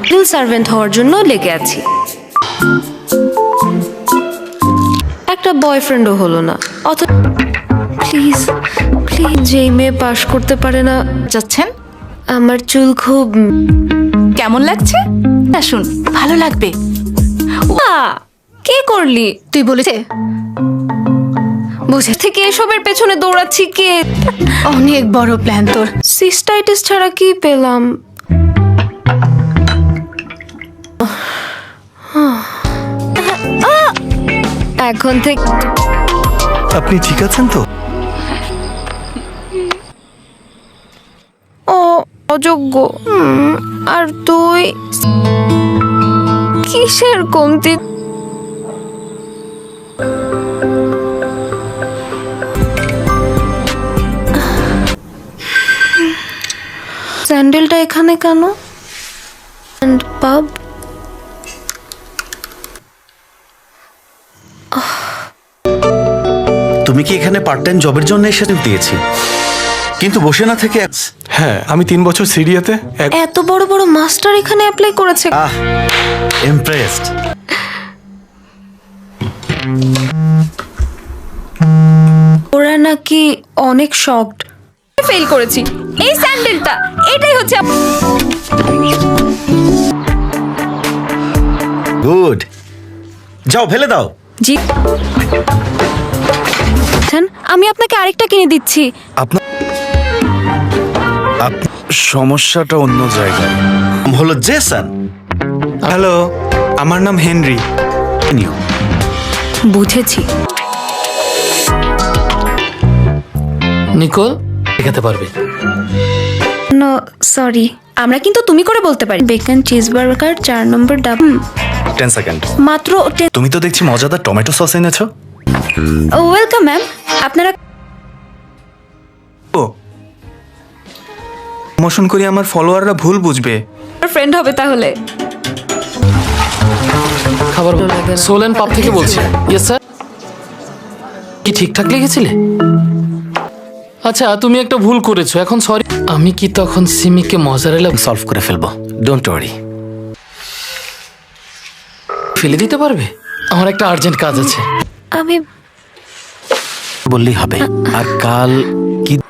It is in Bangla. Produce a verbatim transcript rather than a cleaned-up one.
সিভিল সার্ভেন্ট হওয়ার জন্য লেগে আছি। একটা বয়ফ্রেন্ডও হলো না। অথ প্লিজ প্লিজ যেই মেয়ে পাশ করতে পারে না। যাচ্ছেন? আমার চুল খুব কেমন লাগছে? আসুন, ভালো লাগবে। আহ, কে করলি? তুই বলেছে বুঝে থেকে এসবের পেছনে দৌড়াচ্ছি কে? অনেক বড় প্ল্যান তোর। সিস্টাইটিস ছাড়া কি পেলাম? এখন থেকে আপনি ঠিক আছেন তো? ও অযোগ্য। হুম, আর তুই কিসের কমতি? স্যান্ডেলটা এখানে কেন? And pub? তুমি কি এখানে পার্ট টাইম জবের জন্য এসে দিয়েছি, কিন্তু বসে না থেকে। হ্যাঁ, আমি তিন বছর সিরিয়াতে এক এত বড় বড় মাস্টার এখানে অ্যাপ্লাই করেছে। আহ ইমপ্রেসড। ওরা নাকি অনেক শকড। ফেল করেছি। এই স্যান্ডেলটা এটাই হচ্ছে। গুড, যাও ফেলে দাও। জি, আমি আপনাকে আরেকটা কিনে দিচ্ছি। আপনার সমস্যাটা অন্য জায়গায়। নাম হলো জেসন। হ্যালো, আমার নাম হেনরি। নিও। বুঝেছি। নিকোল দেখাতে পারবে? নো সরি, আমরা কিন্তু তুমি করে বলতে পারি। বেকন চিজ বার্গার চার নম্বর ডাবল। Ten second. মাত্র টেন। তুমি তো দেখছি মজাদার টমেটো সস এনেছো। Welcome ma'am. আপনারা ও প্রমোশন করি, আমার ফলোয়াররা ভুল বুঝবে। ফ্রেন্ড হবে তাহলে। খাবার সোলেন পাব থেকে বলছি। Yes sir. কি ঠিকঠাক লিখেছিলে? আচ্ছা, তুমি একটা ভুল করেছো, এখন সরি। আমি কি তখন সিমিকে মজারেলা সলভ করে ফেলবো, ডোন্ট ওয়ারি। ফেলে দিতে পারবে? আমার একটা আর্জেন্ট কাজ আছে। আমি বললেই হবে। আর কাল কি